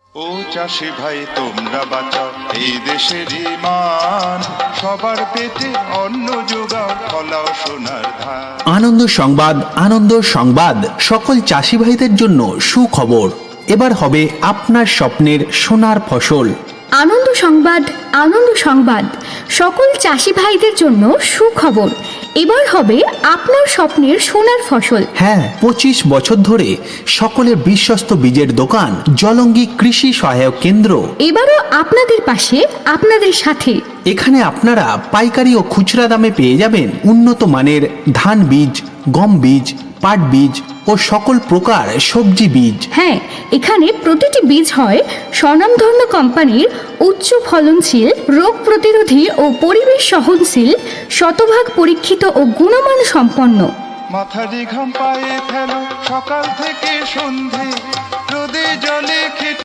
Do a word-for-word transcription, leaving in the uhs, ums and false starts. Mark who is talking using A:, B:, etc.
A: ও চাষি ভাই তোমরা বাঁচাও এই দেশের মান, সবার পেটে অন্ন যোগাও, ফলাও সোনার ধান।
B: আনন্দ সংবাদ, আনন্দ সংবাদ। সকল চাষি ভাইদের জন্য সুখবর, এবার হবে আপনার স্বপ্নের সোনার ফসল।
C: আনন্দ সংবাদ, আনন্দ সংবাদ। সকল চাষি ভাইদের জন্য সুখবর, এবার হবে আপনার স্বপ্নের সোনার ফসল।
B: হ্যাঁ, পঁচিশ বছর ধরে সকলের বিশ্বস্ত বীজের দোকান জলঙ্গি কৃষি সহায়ক কেন্দ্র
C: এবারও আপনাদের পাশে, আপনাদের সাথে।
B: এখানে আপনারা পাইকারি ও খুচরা দামে পেয়ে যাবেন উন্নত মানের ধান বীজ, গম বীজ, পাট বীজ ও সকল প্রকার সবজি বীজ।
C: হ্যাঁ, এখানে প্রতিটি বীজ হয় স্বনামধন্য কোম্পানির উচ্চ ফলনশীল, রোগ প্রতিরোধী ও পরিবেশ সহনশীল, শতভাগ পরীক্ষিত ও গুণমান সম্পন্ন।
A: মাথারি ঘাম পায়ে ফেলো সকাল থেকে সন্ধে, রোদে জলে খেটে